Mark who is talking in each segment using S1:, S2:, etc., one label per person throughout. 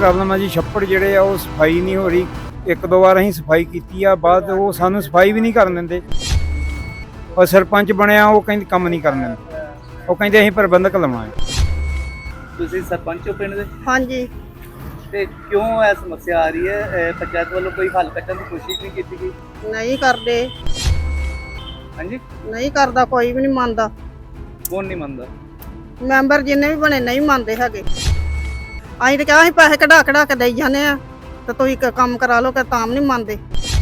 S1: Problem ਆ ਜੀ। ਛੱਪੜ ਜਿਹੜੇ ਆ ਉਹ ਸਫਾਈ ਨਹੀਂ ਹੋ ਰਹੀ। ਇੱਕ ਦੋ ਵਾਰ ਅਸੀਂ ਸਫਾਈ ਕੀਤੀ ਆ, ਬਾਅਦ ਉਹ ਸਾਨੂੰ ਸਫਾਈ ਵੀ ਨਹੀਂ ਕਰਨ ਦਿੰਦੇ। ਔਰ ਸਰਪੰਚ ਬਣਿਆ ਉਹ ਕਹਿੰਦੇ ਕੰਮ ਨਹੀਂ ਕਰਨ ਦਿੰਦੇ। ਉਹ ਕਹਿੰਦੇ ਅਸੀਂ ਪ੍ਰਬੰਧਕ ਲਵਾਂਗੇ।
S2: ਤੁਸੀਂ ਸਰਪੰਚ ਹੋ ਪਿੰਡ ਦੇ?
S3: ਹਾਂਜੀ।
S2: ਤੇ ਕਿਉਂ ਇਹ ਸਮੱਸਿਆ ਆ ਰਹੀ ਹੈ? ਪੰਚਾਇਤ ਵੱਲੋਂ ਕੋਈ ਹੱਲ ਕੱਢਣ ਦੀ ਕੋਸ਼ਿਸ਼ ਨਹੀਂ ਕੀਤੀ ਗਈ?
S3: ਨਹੀਂ ਕਰਦੇ।
S2: ਹਾਂਜੀ,
S3: ਨਹੀਂ ਕਰਦਾ, ਕੋਈ ਵੀ ਨਹੀਂ ਮੰਨਦਾ।
S2: ਕੌਣ ਨਹੀਂ ਮੰਨਦਾ?
S3: ਮੈਂਬਰ ਜਿੰਨੇ ਵੀ ਬਣੇ ਨਹੀਂ ਮੰਨਦੇ ਹੈਗੇ। ਅਸੀਂ ਤਾਂ ਕਿਹਾ ਸੀ ਪੈਸੇ ਕਢਾ ਕੇ ਦੇਈ ਜਾਂਦੇ ਆ ਤੇ ਤੁਸੀਂ ਕੰਮ ਕਰਾ ਲਓ, ਕਿ ਤਾਂ ਨਹੀਂ ਮੰਨਦੇ।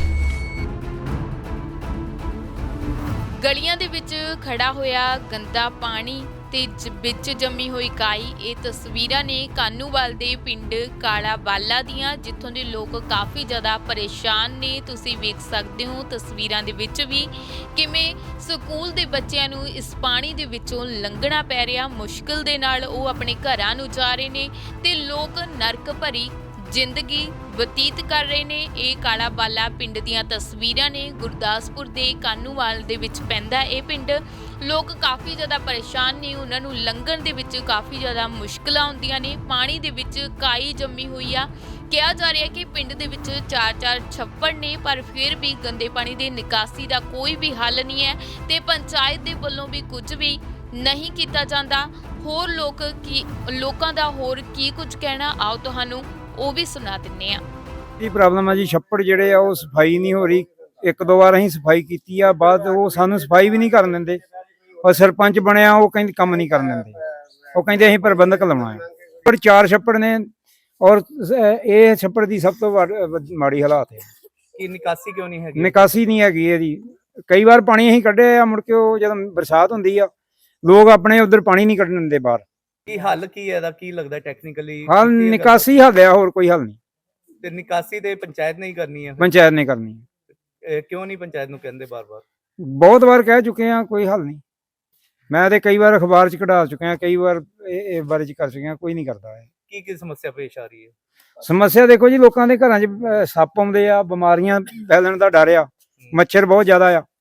S4: ਗਲੀਆਂ ਦੇ ਵਿੱਚ ਖੜਾ ਹੋਇਆ ਗੰਦਾ ਪਾਣੀ ਤੇ ਵਿੱਚ ਜੰਮੀ ਹੋਈ ਕਾਈ। ਇਹ ਤਸਵੀਰਾਂ ਨੇ ਕਾਨੂੰਵਾਲ ਦੇ ਪਿੰਡ ਕਾਲਾ ਬਾਲਾ ਦੀਆਂ, ਜਿੱਥੋਂ ਦੇ ਲੋਕ ਕਾਫੀ ਜ਼ਿਆਦਾ ਪਰੇਸ਼ਾਨ ਨੇ। ਤੁਸੀਂ ਵੇਖ ਸਕਦੇ ਹੋ ਤਸਵੀਰਾਂ ਦੇ ਵਿੱਚ ਵੀ ਕਿਵੇਂ ਸਕੂਲ ਦੇ ਬੱਚਿਆਂ ਨੂੰ ਇਸ ਪਾਣੀ ਦੇ ਵਿੱਚੋਂ ਲੰਘਣਾ ਪੈ ਰਿਹਾ। ਮੁਸ਼ਕਿਲ ਦੇ ਨਾਲ ਉਹ ਆਪਣੇ ਘਰਾਂ ਨੂੰ ਜਾ ਰਹੇ ਨੇ ਤੇ ਲੋਕ ਨਰਕ ਭਰੀ ਜ਼ਿੰਦਗੀ ਬਤੀਤ ਕਰ ਰਹੇ ਨੇ। ਇਹ ਕਾਲਾ ਬਾਲਾ ਪਿੰਡ ਦੀਆਂ ਤਸਵੀਰਾਂ ਨੇ। ਗੁਰਦਾਸਪੁਰ ਦੇ ਕਾਨੂੰਵਾਲ ਦੇ ਵਿੱਚ ਪੈਂਦਾ ਇਹ ਪਿੰਡ। ਲੋਕ ਕਾਫੀ ਜ਼ਿਆਦਾ ਪਰੇਸ਼ਾਨ ਨੇ, ਉਹਨਾਂ ਨੂੰ ਲੰਘਣ ਦੇ ਵਿੱਚ ਕਾਫੀ ਜ਼ਿਆਦਾ ਮੁਸ਼ਕਲਾਂ ਆਉਂਦੀਆਂ ਨੇ। ਪਾਣੀ ਦੇ ਵਿੱਚ ਕਾਈ ਜੰਮੀ ਹੋਈ ਆ। ਕਿਹਾ ਜਾ ਰਿਹਾ ਕਿ ਪਿੰਡ ਦੇ ਵਿੱਚ 4-4 ਛੱਪੜ ਨੇ, ਪਰ ਫਿਰ ਵੀ ਗੰਦੇ ਪਾਣੀ ਦੀ ਨਿਕਾਸੀ ਦਾ ਕੋਈ ਵੀ ਹੱਲ ਨਹੀਂ ਹੈ ਤੇ ਪੰਚਾਇਤ ਦੇ ਵੱਲੋਂ ਵੀ ਕੁਝ ਵੀ ਨਹੀਂ ਕੀਤਾ ਜਾਂਦਾ। ਹੋਰ ਲੋਕਾਂ ਦਾ ਹੋਰ ਕੀ ਕੁਝ ਕਹਿਣਾ, ਆਓ ਤੁਹਾਨੂੰ ਉਹ ਵੀ ਸੁਣਾ ਦਿੰਨੇ ਆ।
S1: ਇਹ ਪ੍ਰੋਬਲਮ ਆ ਜੀ। ਛੱਪੜ ਜਿਹੜੇ ਆ ਉਹ ਸਫਾਈ ਨਹੀਂ ਹੋ ਰਹੀ। ਇੱਕ ਦੋ ਵਾਰ ਅਸੀਂ ਸਫਾਈ ਕੀਤੀ ਆ, ਬਾਅਦ ਉਹ ਸਾਨੂੰ ਸਫਾਈ ਵੀ ਨਹੀਂ ਕਰਨ ਦਿੰਦੇ। ਔਰ ਸਰਪੰਚ ਬਣਿਆ ਉਹ ਕਹਿੰਦੇ ਕੰਮ ਨਹੀਂ ਕਰਨ ਦਿੰਦੇ। ਉਹ ਕਹਿੰਦੇ ਅਸੀਂ ਪ੍ਰਬੰਧਕ ਲਵਾਂਗੇ। ਪਰ 4 ਛੱਪੜ ਨੇ ਔਰ ਇਹ ਛੱਪੜ ਦੀ ਸਭ ਤੋਂ ਮਾੜੀ ਹਾਲਾਤ ਹੈ।
S2: ਕੀ ਨਿਕਾਸੀ ਕਿਉਂ ਨਹੀਂ ਹੈਗੀ?
S1: ਨਿਕਾਸੀ ਨਹੀਂ ਹੈਗੀ ਇਹਦੀ। ਕਈ ਵਾਰ ਪਾਣੀ ਅਸੀਂ ਕੱਢਿਆ ਆ, ਮੁੜ ਕੇ ਉਹ ਜਦੋਂ ਬਰਸਾਤ ਹੁੰਦੀ ਆ ਲੋਕ ਆਪਣੇ ਉਧਰ ਪਾਣੀ ਨਹੀਂ ਕੱਢਣ ਦਿੰਦੇ ਬਾਹਰ।
S2: ਕੀ ਹੱਲ ਕੀ ਹੈ ਇਹਦਾ? ਕੀ ਲੱਗਦਾ ਟੈਕਨੀਕਲੀ?
S1: ਹੱਲ ਨਿਕਾਸੀ ਹੱਲ ਆ, ਹੋਰ ਕੋਈ ਹੱਲ ਨਹੀਂ।
S2: ਤੇ ਨਿਕਾਸੀ ਤੇ ਪੰਚਾਇਤ ਨੇ ਹੀ ਕਰਨੀ ਹੈ?
S1: ਪੰਚਾਇਤ ਨੇ ਕਰਨੀ ਹੈ।
S2: ਕਿਉਂ ਨਹੀਂ ਪੰਚਾਇਤ ਨੂੰ ਕਹਿੰਦੇ ਬਾਰ-ਬਾਰ?
S1: ਬਹੁਤ ਵਾਰ ਕਹਿ ਚੁੱਕੇ ਆ, ਕੋਈ ਹੱਲ ਨਹੀਂ। ਮੈਂ ਤੇ ਕਈ ਵਾਰ ਅਖਬਾਰ 'ਚ ਕਢਾ ਚੁੱਕਿਆ, ਕਈ ਵਾਰ ਇਹ ਬਾਰੇ 'ਚ ਕਰ ਚੁੱਕਿਆ, ਕੋਈ ਨਹੀਂ ਕਰਦਾ ਹੈ।
S2: ਕੀ ਸਮੱਸਿਆ ਪੇਸ਼ ਆ ਰਹੀ ਹੈ?
S1: ਸਮੱਸਿਆ ਦੇਖੋ ਜੀ, ਲੋਕਾਂ ਦੇ ਘਰਾਂ 'ਚ ਸੱਪ ਆਉਂਦੇ ਆ, ਬਿਮਾਰੀਆਂ ਫੈਲਣ ਦਾ ਡਰ ਆ, ਮੱਛਰ ਬਹੁਤ ਜ਼ਿਆਦਾ ਆ।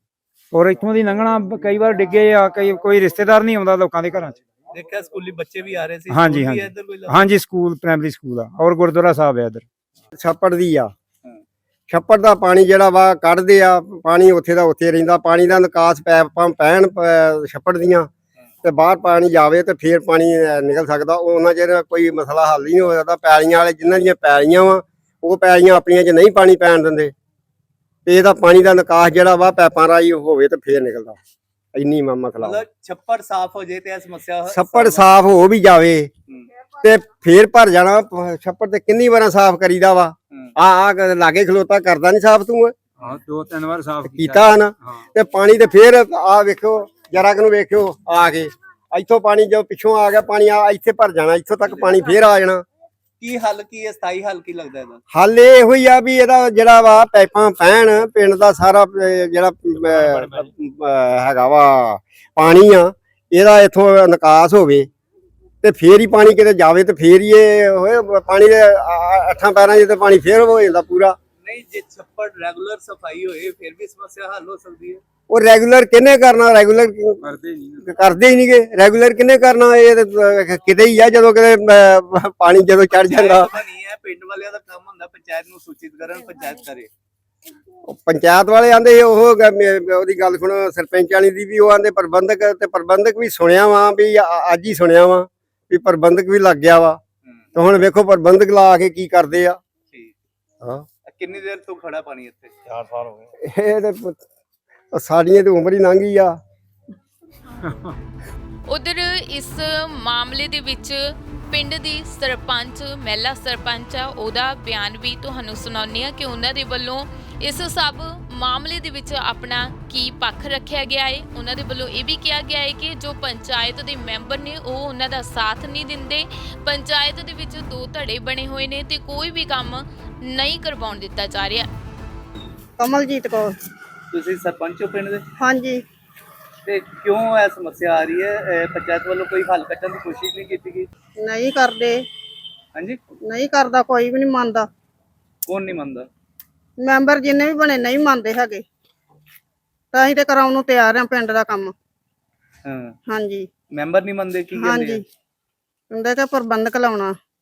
S1: ਔਰ ਇੱਥੋਂ ਦੀ ਲੰਘਣਾ ਕਈ ਵਾਰ ਡਿੱਗੇ ਆ, ਕੋਈ ਰਿਸ਼ਤੇਦਾਰ ਨਹੀਂ ਆਉਂਦਾ ਲੋਕਾਂ ਦੇ ਘਰਾਂ 'ਚ।
S2: ਦੇਖਿਆ ਸਕੂਲੀ ਬੱਚੇ ਵੀ ਆ ਰਹੇ ਸੀ?
S1: ਹਾਂਜੀ ਹਾਂਜੀ ਹਾਂਜੀ, ਸਕੂਲ ਪ੍ਰਾਇਮਰੀ ਸਕੂਲ ਆ ਔਰ ਗੁਰਦੁਆਰਾ ਸਾਹਿਬ ਆ ਇੱਧਰ।
S5: ਛੱਪੜ ਦੀ ਆ। ਛੱਪੜ ਦਾ ਪਾਣੀ ਜਿਹੜਾ ਵਾ ਕੱਢਦੇ ਆ, ਪਾਣੀ ਉੱਥੇ ਦਾ ਉੱਥੇ ਰਹਿੰਦਾ। ਪਾਣੀ ਦਾ ਨਿਕਾਸ ਪੈਪਾਂ ਪੈਣ ਛੱਪੜ ਦੀਆਂ ਤੇ ਬਾਹਰ ਪਾਣੀ ਜਾਵੇ ਤੇ ਫੇਰ ਪਾਣੀ ਨਿਕਲ ਸਕਦਾ। ਉਹਨਾਂ ਚਿਰ ਕੋਈ ਮਸਲਾ ਹੱਲ ਹੀ ਨਹੀਂ ਹੋ ਸਕਦਾ। ਪੈਲੀਆਂ ਵਾਲੇ ਜਿਨ੍ਹਾਂ ਦੀਆਂ ਪੈਲੀਆਂ ਵਾ, ਉਹ ਪੈਲੀਆਂ ਆਪਣੀਆਂ 'ਚ ਨਹੀਂ ਪਾਣੀ ਪੈਣ ਦਿੰਦੇ ਤੇ ਇਹਦਾ ਪਾਣੀ ਦਾ ਨਿਕਾਸ ਜਿਹੜਾ ਵਾ ਪੈਪਾਂ ਰਾਹੀਂ ਹੋਵੇ ਤੇ ਫੇਰ ਨਿਕਲਦਾ। ਇੰਨੀ ਮਸਲਾ।
S2: ਮਤਲਬ ਛੱਪੜ ਸਾਫ਼ ਹੋ ਜੇ ਤੇ ਇਹ ਸਮੱਸਿਆ
S5: ਛੱਪੜ ਸਾਫ਼ ਹੋ ਵੀ ਜਾਵੇ ਤੇ ਫੇਰ ਭਰ ਜਾਣਾ। ਛੱਪੜ ਤੇ ਕਿੰਨੀ ਵਾਰਾਂ ਸਾਫ਼ ਕਰੀਦਾ ਵਾ। ਆ ਲਾਗੇ ਖਲੋਤਾ ਕਰਦਾ ਨਹੀਂ ਸਾਫ਼ ਤੂੰ?
S1: ਹਾਂ, 2-3 ਵਾਰ ਸਾਫ਼
S5: ਕੀਤਾ ਨਾ। ਤੇ ਪਾਣੀ ਤੇ ਫੇਰ ਆ ਵੇਖੋ, ਜਰਾ ਕੁ ਨੂੰ ਵੇਖਿਓ ਆ ਕੇ ਇੱਥੋਂ ਪਾਣੀ ਜੋ ਪਿੱਛੋਂ ਆ ਗਿਆ ਪਾਣੀ ਆ ਇੱਥੇ ਭਰ ਜਾਣਾ, ਇੱਥੋਂ ਤੱਕ ਪਾਣੀ ਫੇਰ ਆ ਜਾਣਾ।
S2: ਕੀ ਹੱਲ ਕੀ ਹੈ? ਸਥਾਈ ਹੱਲ ਕੀ ਲੱਗਦਾ ਇਹਦਾ?
S5: ਹੱਲ ਇਹੋ ਹੀ ਆ ਵੀ ਇਹਦਾ ਜਿਹੜਾ ਵਾ ਪਾਈਪਾਂ ਪੈਣ, ਪਿੰਡ ਦਾ ਸਾਰਾ ਜਿਹੜਾ ਹੈਗਾ ਵਾ ਪਾਣੀ ਆ, ਇਹਦਾ ਇੱਥੋਂ ਨਿਕਾਸ ਹੋਵੇ ਤੇ ਫੇਰ ਹੀ ਪਾਣੀ ਕਿਤੇ ਜਾਵੇ ਤੇ ਫੇਰ ਹੀ ਇਹ ਹੋਏ। ਪਾਣੀ ਦੇ 8 ਪੈਰਾਂ 'ਚ ਤੇ ਪਾਣੀ ਫੇਰ ਹੋ ਜਾਂਦਾ ਪੂਰਾ।
S2: ਨਹੀਂ, ਜੇ ਛੱਪੜ ਰੈਗੂਲਰ ਸਫਾਈ ਹੋਏ ਫਿਰ ਵੀ ਸਮੱਸਿਆ ਹੱਲ ਹੋ ਸਕਦੀ ਹੈ।
S5: ਉਹ ਰੈਗੂਲਰ ਕਿਹਨੇ ਕਰਨਾ? ਰੈਗੂਲਰ ਕਰਦੇ ਹੀ ਨਹੀਂਗੇ। ਰੈਗੂਲਰ ਕਿਹਨੇ ਕਰਨਾ? ਇਹ ਕਿਤੇ ਹੀ ਆ ਜਦੋਂ ਕਿਤੇ ਪਾਣੀ ਜਦੋਂ ਚੜ ਜਾਂਦਾ।
S2: ਨਹੀਂ ਹੈ, ਪਿੰਡ ਵਾਲਿਆਂ ਦਾ ਕੰਮ ਹੁੰਦਾ ਪੰਚਾਇਤ ਨੂੰ ਸੂਚਿਤ ਕਰਨ, ਪੰਚਾਇਤ ਕਰੇ।
S5: ਪੰਚਾਇਤ ਵਾਲੇ ਆਂਦੇ ਉਹ ਉਹਦੀ ਗੱਲ ਸੁਣੋ, ਸਰਪੰਚ ਵਾਲੀ ਦੀ ਵੀ ਉਹ ਆਂਦੇ ਪ੍ਰਬੰਧਕ, ਤੇ ਪ੍ਰਬੰਧਕ ਵੀ ਸੁਣਿਆ ਵਾ ਵੀ ਅੱਜ ਹੀ ਸੁਣਿਆ ਵਾ ਵੀ ਪ੍ਰਬੰਧਕ ਵੀ ਲੱਗ ਗਿਆ ਵਾ। ਤੇ ਹੁਣ ਵੇਖੋ ਪ੍ਰਬੰਧਕ ਲਾ ਕੇ ਕੀ ਕਰਦੇ ਆ। ਹਾਂ,
S2: ਕਿੰਨੀ ਦੇਰ ਤੋਂ ਖੜਾ ਪਾਣੀ ਇੱਥੇ? 4 ਸਾਲ ਹੋ ਗਏ।
S5: ਇਹ ਤੇ ਸਾਡੀਆਂ ਤੇ ਉਮਰ ਹੀ ਲੰਘ ਗਈ ਆ।
S4: ਉਧਰ ਇਸ ਮਾਮਲੇ ਦੇ ਵਿੱਚ ਪਿੰਡ ਦੀ ਸਰਪੰਚ, ਮਹਿਲਾ ਸਰਪੰਚ ਆ, ਉਹਦਾ ਬਿਆਨ ਵੀ ਤੁਹਾਨੂੰ ਸੁਣਾਉਂਦੇ ਆ ਕਿ ਉਹਨਾਂ ਦੇ ਵੱਲੋਂ ਇਸ ਸਭ ਮਾਮਲੇ ਦੇ ਵਿੱਚ ਆਪਣਾ ਕੀ ਪੱਖ ਰੱਖਿਆ ਗਿਆ ਹੈ। ਉਹਨਾਂ ਦੇ ਵੱਲੋਂ ਇਹ ਵੀ ਕਿਹਾ ਗਿਆ ਹੈ ਕਿ ਜੋ ਪੰਚਾਇਤ ਦੇ ਮੈਂਬਰ ਨੇ ਉਹ ਉਹਨਾਂ ਦਾ ਸਾਥ ਨਹੀਂ ਦਿੰਦੇ। ਪੰਚਾਇਤ ਦੇ ਵਿੱਚ 2 ਧੜੇ ਬਣੇ ਹੋਏ ਨੇ ਤੇ ਕੋਈ ਵੀ ਕੰਮ ਨਹੀਂ ਕਰਵਾਉਣ ਦਿੱਤਾ ਜਾ ਰਿਹਾ।
S3: ਕਮਲਜੀਤ ਕੌਰ।
S2: ਤੁਸੀਂ ਸਰਪੰਚ ਹੋ ਪਿੰਡ ਦੇ?
S3: ਹਾਂਜੀ।
S2: ਤੇ ਕਿਉਂ ਇਹ ਸਮੱਸਿਆ ਆ ਰਹੀ ਹੈ? ਪੰਚਾਇਤ ਵੱਲੋਂ ਕੋਈ ਹੱਲ ਕੱਢਣ ਦੀ ਕੋਸ਼ਿਸ਼ ਨਹੀਂ ਕੀਤੀ ਗਈ?
S3: ਨਹੀਂ ਕਰਦੇ।
S2: ਹਾਂਜੀ,
S3: ਨਹੀਂ ਕਰਦਾ, ਕੋਈ ਵੀ ਨਹੀਂ ਮੰਨਦਾ।
S2: ਕੌਣ ਨਹੀਂ ਮੰਨਦਾ?
S3: ਮੈਂਬਰ ਜਿੰਨੇ ਵੀ ਬਣੇ ਨਹੀਂ ਮੰਨਦੇ ਹੈਗੇ। ਤਾਂ ਅਸੀਂ ਤੇ ਕਰਾਉਣ ਨੂੰ ਤਿਆਰ ਆ ਪਿੰਡ ਦਾ ਕੰਮ।
S2: ਹਾਂ,
S3: ਹਾਂਜੀ।
S2: ਮੈਂਬਰ ਨਹੀਂ ਮੰਨਦੇ? ਕੀ ਕਹਿੰਦੇ?
S3: ਹਾਂਜੀ, ਕਹਿੰਦੇ ਕਿ ਪ੍ਰਬੰਧਕ ਲਾਉਣਾ।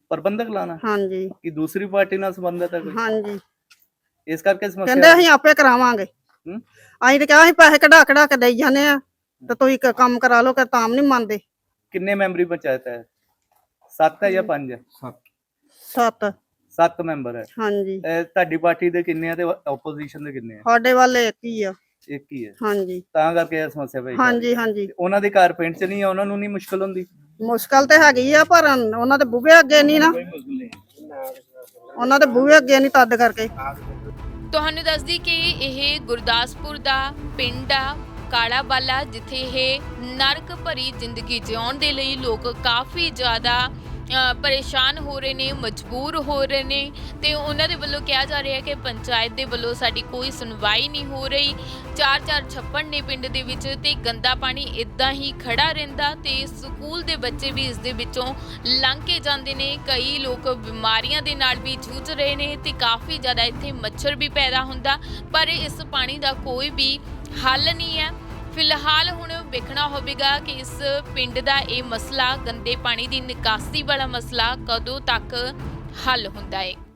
S2: ਪ੍ਰਬੰਧਕ ਲਾਣਾ
S3: ਹਾਂਜੀ
S2: ਕਿ ਦੂਸਰੀ ਪਾਰਟੀ ਨਾਲ ਸੰਬੰਧਿਤ ਹੈ ਕੋਈ?
S3: ਹਾਂਜੀ
S2: ਇਸ ਕਰਕੇ
S3: ਕਹਿੰਦੇ
S2: ਸਮੱਸਿਆ
S3: ਅਸੀਂ ਆਪੇ ਕਰਾਵਾਂਗੇ।
S2: ਹੂੰ?
S3: ਅਸੀਂ ਤੇ ਕਿਹਾ ਅਸੀਂ ਪੈਸੇ ਕਢਾ ਕੇ ਦੇਈ ਜਾਂਦੇ ਆ ਤੇ ਤੁਸੀਂ ਕੰਮ ਕਰਾ ਲਓ ਕਿ ਤਾਂ ਨਹੀਂ ਮੰਨਦੇ।
S2: ਕਿੰਨੇ ਮੈਂਬਰੀ ਪੰਚਾਇਤ ਹੈ? 7 ਹੈ ਜਾਂ 5 ਹੈ?
S3: 7
S2: 7 ਮੈਂਬਰ ਹੈ।
S3: ਹਾਂਜੀ
S2: ਤੁਹਾਡੀ ਪਾਰਟੀ ਦੇ ਕਿੰਨੇ ਆ ਤੇ ਆਪੋਜੀਸ਼ਨ ਦੇ ਕਿੰਨੇ ਆ?
S3: ਸਾਡੇ ਵੱਲ ਇੱਕ ਹੀ ਆ।
S2: ਇੱਕ ਹੀ ਹੈ।
S3: ਹਾਂਜੀ
S2: ਤਾਂ ਕਰਕੇ ਇਹ ਸਮੱਸਿਆ ਪਈ।
S3: ਹਾਂਜੀ ਹਾਂਜੀ
S2: ਉਹਨਾਂ ਦੇ ਘਰ ਪਿੰਡ ਚ ਨਹੀਂ ਆ, ਉਹਨਾਂ ਨੂੰ ਨਹੀਂ ਮੁਸ਼ਕਲ ਹੁੰਦੀ?
S3: ਮੁਸ਼ਕਲ ਤੇ ਹੈਗੀ ਆ ਪਰ ਉਹਨਾਂ ਦੇ ਬੂਹੇ ਅੱਗੇ ਨਹੀਂ ਨਾ, ਉਹਨਾਂ ਦੇ ਬੂਹੇ ਅੱਗੇ ਨਹੀਂ ਤਦ ਕਰਕੇ।
S4: ਤੁਹਾਨੂੰ ਦੱਸਦੀ ਕਿ ਇਹ ਗੁਰਦਾਸਪੁਰ ਦਾ ਪਿੰਡ ਆ ਕਾਲਾ ਬਾਲਾ, ਜਿੱਥੇ ਇਹ ਨਰਕ ਭਰੀ ਜ਼ਿੰਦਗੀ ਜਿਉਣ ਦੇ ਲਈ ਲੋਕ ਕਾਫੀ ਜ਼ਿਆਦਾ ਪਰੇਸ਼ਾਨ ਹੋ ਰਹੇ ਨੇ, ਮਜਬੂਰ ਹੋ ਰਹੇ ਨੇ ਤੇ ਉਹਨਾਂ ਦੇ ਵੱਲੋਂ ਕਿਹਾ ਜਾ ਰਿਹਾ ਕਿ ਪੰਚਾਇਤ ਦੇ ਵੱਲੋਂ ਸਾਡੀ ਕੋਈ ਸੁਣਵਾਈ ਨਹੀਂ ਹੋ ਰਹੀ। 4-4 ਛੱਪੜ ਨੇ ਪਿੰਡ ਦੇ ਵਿੱਚ ਤੇ ਗੰਦਾ ਪਾਣੀ ਇਦਾਂ ਹੀ ਖੜਾ ਰਹਿੰਦਾ ਤੇ ਸਕੂਲ ਦੇ ਬੱਚੇ ਵੀ ਇਸ ਦੇ ਵਿੱਚੋਂ ਲੰਘ ਕੇ ਜਾਂਦੇ ਨੇ। ਕਈ ਲੋਕ ਬਿਮਾਰੀਆਂ ਦੇ ਨਾਲ ਵੀ ਜੂਝ ਰਹੇ ਨੇ ਤੇ ਕਾਫੀ ਜ਼ਿਆਦਾ ਇੱਥੇ ਮੱਛਰ ਵੀ ਪੈਦਾ ਹੁੰਦਾ, ਪਰ ਇਸ ਪਾਣੀ ਦਾ ਕੋਈ ਵੀ ਹੱਲ ਨਹੀਂ ਹੈ। ਫਿਲਹਾਲ ਹੁਣ ਵੇਖਣਾ ਹੋਵੇਗਾ ਕਿ ਇਸ ਪਿੰਡ ਦਾ ਇਹ ਮਸਲਾ, ਗੰਦੇ ਪਾਣੀ ਦੀ ਨਿਕਾਸੀ ਵਾਲਾ ਮਸਲਾ, ਕਦੋਂ ਤੱਕ ਹੱਲ ਹੁੰਦਾ ਹੈ।